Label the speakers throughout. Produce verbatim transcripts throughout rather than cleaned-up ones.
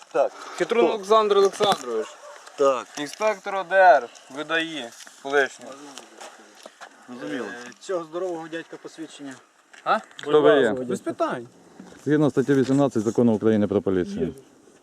Speaker 1: Так.
Speaker 2: Хитрун Олександр Олександрович.
Speaker 1: Так.
Speaker 2: Інспектор О Д Р видає колишнього.
Speaker 1: Розуміло. Цього здорового дядька посвідчення.
Speaker 2: А?
Speaker 3: Хто ви є?
Speaker 2: Без питань.
Speaker 3: Згідно статті вісімнадцять Закону України про поліцію.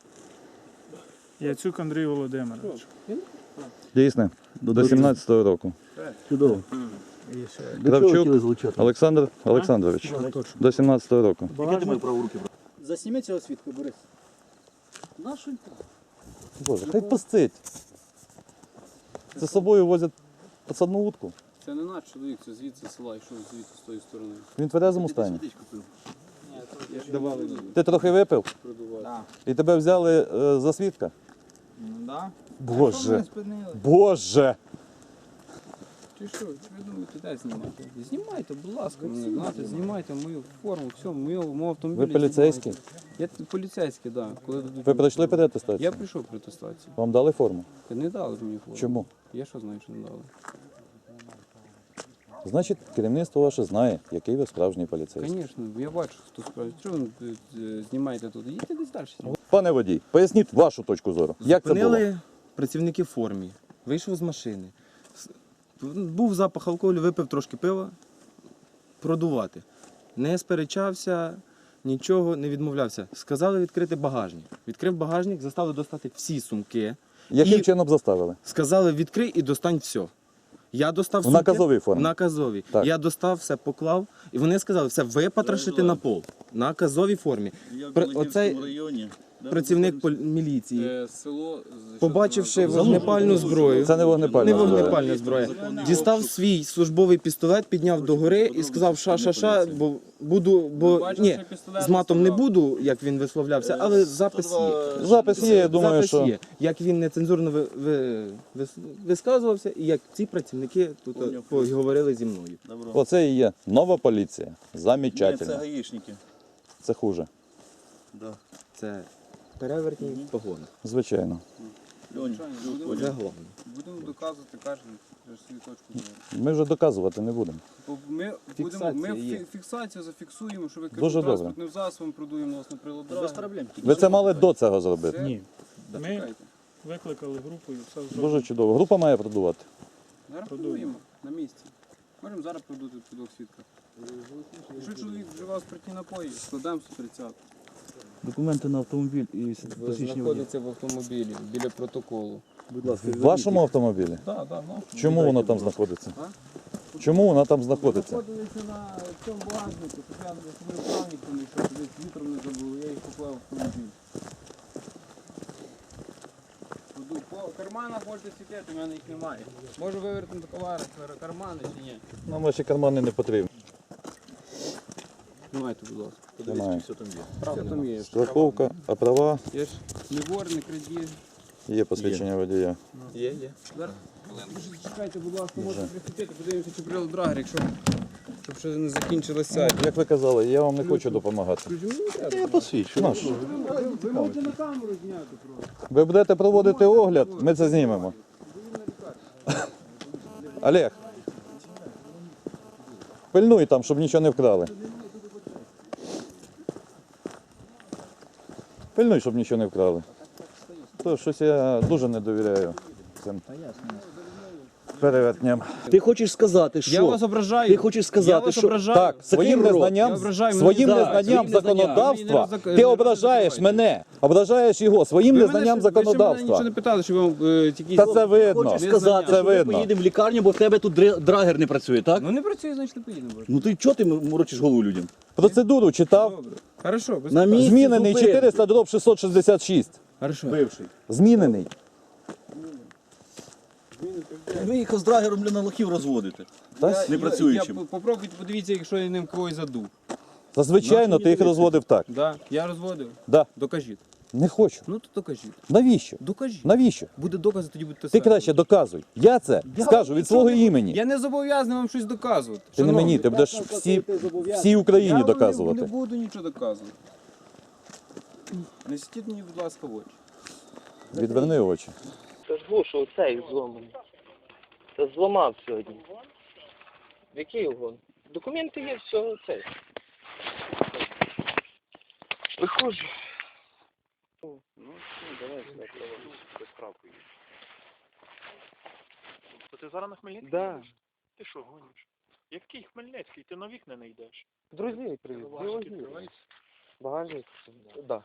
Speaker 4: Яцюк Андрій Володимирович.
Speaker 3: Дійсне? До сімнадцятого року.
Speaker 1: Чудово.
Speaker 3: Кравчук Олександр Олександрович. До сімнадцятого року.
Speaker 1: Яке ти мої праву руки? Засніми цього свідка, Борис. Нашу
Speaker 3: Боже, хай пастить. Це з собою возять підсадну утку.
Speaker 2: Це не наш чоловік, це звідси села, йшов звідси з тої сторони.
Speaker 3: Він в тверезому стані.
Speaker 2: Я ж давали
Speaker 3: Ти трохи випив?
Speaker 2: продавати.
Speaker 3: І тебе взяли е, за свідка?
Speaker 2: Ну да.
Speaker 3: Боже. Боже.
Speaker 2: Чи що? Чи ви думаєте, де знімати? Знімайте, будь ласка, мене, знаєте, знімайте мою форму, все, мою, мою автомобіль.
Speaker 3: Ви поліцейський?
Speaker 2: Я поліцейський, так. Да. Коли дадуть
Speaker 3: Ви
Speaker 2: мені-
Speaker 3: пройшли переатестацію?
Speaker 2: Я прийшов при атестації.
Speaker 3: Вам дали форму?
Speaker 2: Не дали мені форму.
Speaker 3: Чому?
Speaker 2: Я що знаю, що не дали.
Speaker 3: Значить, керівництво ваше знає, який ви справжній поліцейський.
Speaker 2: Звісно, я бачу, хто справді. Що ви е, знімаєте тут? Їдьте десь далі.
Speaker 3: Пане водій, поясніть вашу точку зору. Як це було?
Speaker 5: Зупинили працівники в формі, вийшов з машини. С- Був запах алкоголю, випив трошки пива, продувати. Не сперечався, нічого не відмовлявся. Сказали відкрити багажник. Відкрив багажник, заставили достати всі сумки.
Speaker 3: Яким
Speaker 5: І-
Speaker 3: чином заставили?
Speaker 5: Сказали відкрий і достань все. Я достав
Speaker 3: В
Speaker 5: сумки.
Speaker 3: наказовій формі?
Speaker 5: В наказовій.
Speaker 3: Так.
Speaker 5: Я достав, все поклав, і вони сказали, все випотрошити на пол. В наказовій формі.
Speaker 1: Я в
Speaker 5: При-
Speaker 1: Білогірському
Speaker 5: оцей
Speaker 1: районі.
Speaker 5: Працівник полі- міліції,
Speaker 2: Е, село...
Speaker 5: побачивши вогнепальну зброю,
Speaker 3: Це не вогнепальна
Speaker 5: не
Speaker 3: зброя.
Speaker 5: вогнепальна зброя, дістав свій службовий пістолет, підняв догори і сказав ша-ша-ша, бо буду, бо ні, з матом не буду, як він висловлявся, але запис є.
Speaker 3: Запис є, я думаю,
Speaker 5: Запис
Speaker 3: що...
Speaker 5: є. Як він нецензурно ви, ви, вис- висказувався, і як ці працівники тут е, поговорили зі мною.
Speaker 1: Добро.
Speaker 3: Оце і є нова поліція.
Speaker 1: Ні, це
Speaker 3: Замечательно.
Speaker 1: гаїшники.
Speaker 3: Це хуже.
Speaker 1: Да.
Speaker 5: Це перевертні погони.
Speaker 3: Звичайно.
Speaker 1: Льоня,
Speaker 5: Це головне.
Speaker 2: Будемо доказувати кожен свою точку зору.
Speaker 3: Ми вже доказувати не будемо.
Speaker 2: Бо Ми, будемо,
Speaker 5: Фіксація
Speaker 2: ми
Speaker 5: є.
Speaker 2: фі- фіксацію зафіксуємо, що ви
Speaker 3: Дуже
Speaker 2: керуєте
Speaker 3: добре.
Speaker 2: транспортним засобом, продуємо нас на прилад.
Speaker 1: Без проблем.
Speaker 3: Ви це мали до цього зробити.
Speaker 4: Ні. Ми
Speaker 2: Чекайте.
Speaker 4: викликали групу і все
Speaker 3: Дуже
Speaker 4: зробили.
Speaker 3: чудово. Група має продувати.
Speaker 2: Зараз продуємо на місці. Можемо зараз продути під двох свідках. Якщо чоловік вживав спиртні напої, складаємо сто тридцять.
Speaker 1: Документи на автомобіль і посвідчення водія.
Speaker 2: Знаходиться в автомобілі біля протоколу.
Speaker 1: Будь ласка,
Speaker 3: В вашому автомобілі?
Speaker 2: Так, так, ну.
Speaker 3: Чому воно там знаходиться? Чому вона там знаходиться?
Speaker 2: Знаходилися на цьому багажнику, щоб я за собою правником, щоб десь вітром не забув, я їх поклав в автомобіль. Буду по карманах можете світити, у мене їх немає. Можу вивернути товари, кармани чи ні?
Speaker 3: Нам ваші кармани не потрібні.
Speaker 2: Знімайте, будь ласка.
Speaker 3: Немає.
Speaker 1: Все там є.
Speaker 2: Правда там є.
Speaker 3: Страховка, а права,
Speaker 2: Є ж не вор, не крадіж.
Speaker 3: є посвідчення водія.
Speaker 5: Є, є.
Speaker 2: Зараз, хвилинку, ще чекайте, будь ласка, можете присвітити, подивимося, чи брали драгер, якщо щоб ще не закінчилося.
Speaker 3: Як ви казали, я вам не хочу допомагати.
Speaker 1: Я посвідчу.
Speaker 3: Наш.
Speaker 2: Ви можете на камеру зняти просто.
Speaker 3: Ви будете проводити огляд, ми це знімемо. Олег, пильнуй там, щоб нічого не вкрали. Пильнуй, щоб нічого не вкрали. То щось я дуже не довіряю цим перевертням.
Speaker 6: Ти хочеш сказати, що
Speaker 5: Я вас ображаю.
Speaker 6: ти хочеш
Speaker 5: Я
Speaker 6: сказати,
Speaker 5: вас
Speaker 6: що
Speaker 5: ображаю.
Speaker 3: Так, своїм
Speaker 6: рот.
Speaker 3: незнанням,
Speaker 2: Я ображаю мене.
Speaker 3: своїм
Speaker 6: Так,
Speaker 3: незнанням
Speaker 6: своїм незнанням.
Speaker 3: законодавства
Speaker 2: Ви мені не
Speaker 3: ти
Speaker 2: роз-
Speaker 3: ображаєш
Speaker 2: не
Speaker 3: мене, ображаєш його своїм
Speaker 2: Ви
Speaker 3: незнанням
Speaker 2: мене, ви ще мене нічого
Speaker 3: законодавства.
Speaker 2: не питали, що ви вам е, тільки...
Speaker 3: Та це видно.
Speaker 6: хочеш
Speaker 2: Не
Speaker 6: сказати,
Speaker 3: Це
Speaker 6: що ми
Speaker 3: видно.
Speaker 6: поїдемо в лікарню, бо в тебе тут дре- драгер не працює, так?
Speaker 2: Ну не працює, значить не поїдемо.
Speaker 6: Ну ти чого ти морочиш голову людям?
Speaker 3: Процедуру читав.
Speaker 2: Добре. Хорошо, без
Speaker 6: На
Speaker 2: питань.
Speaker 6: місці
Speaker 3: Змінений
Speaker 6: зупинки.
Speaker 3: чотириста дроб шістсот шістдесят шість.
Speaker 2: Хорошо.
Speaker 6: Бивший.
Speaker 3: Змінений.
Speaker 6: Ви їх з драгером для лохів розводите.
Speaker 3: Та
Speaker 6: Не працюючим.
Speaker 2: Я, я, попробуйте, подивіться, якщо я ним когось задув.
Speaker 3: Зазвичайно ти їх розводив так.
Speaker 2: Да, я розводив.
Speaker 3: Да.
Speaker 2: Докажіть.
Speaker 3: Не хочу.
Speaker 2: Ну то докажіть.
Speaker 3: Навіщо?
Speaker 2: Докажіть.
Speaker 3: Навіщо?
Speaker 2: Буде докази, тоді будете
Speaker 3: Ти
Speaker 2: стверджувати.
Speaker 3: краще доказуй. Я це скажу від свого імені.
Speaker 2: Я не зобов'язаний вам щось доказувати.
Speaker 3: Ти не
Speaker 2: Шановний.
Speaker 3: мені, ти будеш всі, всій Україні
Speaker 2: Я вам не- не
Speaker 3: доказувати.
Speaker 2: буду нічого доказувати. Не світіть мені, будь ласка, в очі.
Speaker 3: Відверни очі.
Speaker 7: Це ж вушу оцей зломаний. Це зламав сьогодні. В який угон? Документи є, все оцей. Виходжу. О, ну, все.
Speaker 8: То ти зараз на Хмельницький?
Speaker 5: Да.
Speaker 8: їдеш? Ти що гониш? Який Хмельницький? Ти на вікна не йдеш.
Speaker 5: Друзей привіз. Біологію. Багажник? Да.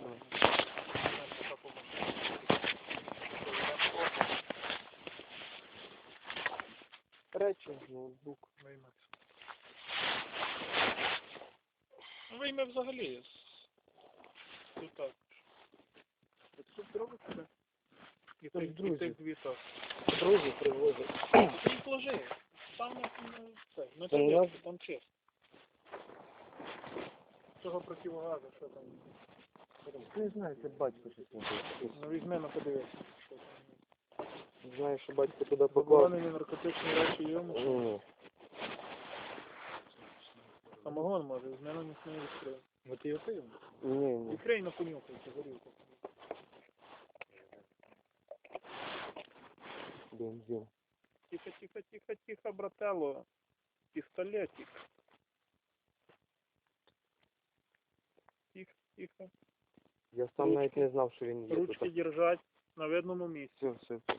Speaker 5: Речі, ноутбук.
Speaker 8: Ну, вийме взагалі. Ну так. Ти тут зробиш себе? І
Speaker 5: Це ж
Speaker 8: тих, і
Speaker 5: друзі.
Speaker 8: тих дві так.
Speaker 5: Друзі привозять.
Speaker 8: Ти їх ложи. Там на на- це, на
Speaker 5: Та у
Speaker 8: тебе, там чесно. Цього противогазу, що там?
Speaker 5: Не знаю, це батько щось не
Speaker 8: Ну візьми на подивися. Що там.
Speaker 5: знаю, що батько туди поклав.
Speaker 8: Заборонені наркотичні речі є, може.
Speaker 5: Ні.
Speaker 8: Самогон може, візьми на них не відкрив. Ну ти його пив?
Speaker 5: Ні, ні.
Speaker 8: Відкрий на понюхай, це горілку.
Speaker 5: Бензин.
Speaker 8: Тихо, тихо, тихо, тихо, брателло. Пистолетик. Тихо, тихо.
Speaker 5: Я сам навіть не знав, що він є
Speaker 8: Ручки
Speaker 5: тут.
Speaker 8: держать на видному місці.
Speaker 5: Все, все, все.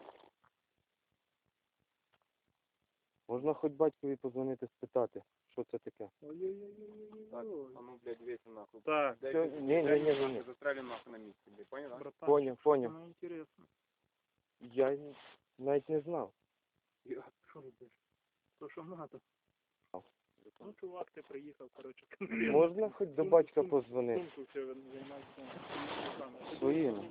Speaker 5: Можна хоч батькові подзвонити, спитати, що це таке.
Speaker 8: Ой-ой-ой-ой-ой.
Speaker 2: А ну, блядь, весь нахуй.
Speaker 8: Так,
Speaker 5: Все, ні, ні, ні, ні.
Speaker 2: Застрелим нахуй на місці, блядь, понял, да?
Speaker 8: братан,
Speaker 5: Поняв, поняв.
Speaker 8: ну інтересно.
Speaker 5: Я й навіть не знав.
Speaker 8: Я, що робиш? То що надо? Ну, чувак, ти приїхав, коротше.
Speaker 5: Можна хоч до батька позвонити?
Speaker 8: Сумку все займається.
Speaker 5: Своїм.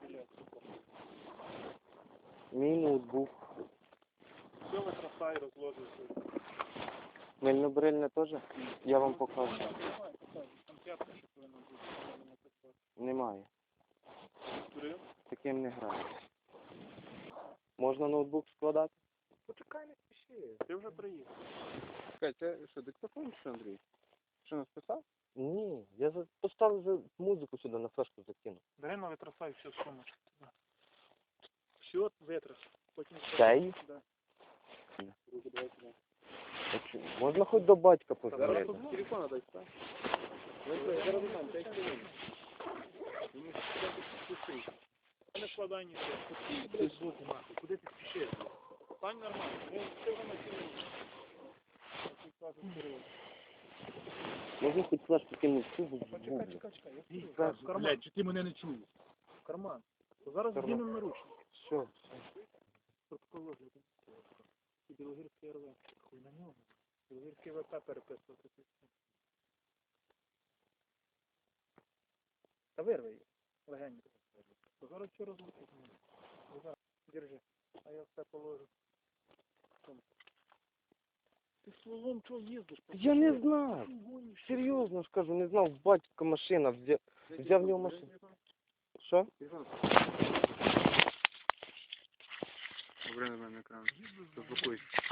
Speaker 5: Мій ноутбук.
Speaker 8: Все витрасай, розложиш.
Speaker 5: Мильно-брильне теж? Я вам покажу.
Speaker 8: Там п'ятка ще повинна бути.
Speaker 5: Немає.
Speaker 8: Турив?
Speaker 5: Таким не граю. Можна ноутбук складати?
Speaker 8: Почекай, не спіши. Ти вже приїхав.
Speaker 2: Чекай, це що, диктофон чи Андрій? Що, нас писав?
Speaker 5: Ні, я за- поставив за музику сюди на флешку закинув.
Speaker 8: Бери на витрасай всю сумочку. Все, витрас. Потім
Speaker 5: Цей?
Speaker 8: Да.
Speaker 5: А чо- Можна хоч до батька
Speaker 8: Зараз
Speaker 5: позвонити?
Speaker 8: тут
Speaker 2: Телефон дай, так?
Speaker 8: не складай нічого. Ти звуку нахуй. Куди ти спішиш? Стань нормально. Ти ти вже на цілу.
Speaker 5: Можна хоч флешку кинути сюди?
Speaker 8: Почекай, чекай, чекай. Я скажу. В карман.
Speaker 1: Блядь, чи ти мене не чуєш?
Speaker 8: В карман. То зараз
Speaker 5: Карман.
Speaker 8: знімемо наручники.
Speaker 5: Все.
Speaker 8: Протокол огляду. І Білогірський РВ. Хуй на нього. Білогірський ВП переписувати. Та вирви її. Легенько. То зараз все розлучить. Держи. А я все положу. Ти словом чого їздиш?
Speaker 5: Я не знав. Серйозно ж кажу, не знав, батько машина, взяв, взяв в нього машину. Що?
Speaker 2: Добре на мене екран. Заблокуйся.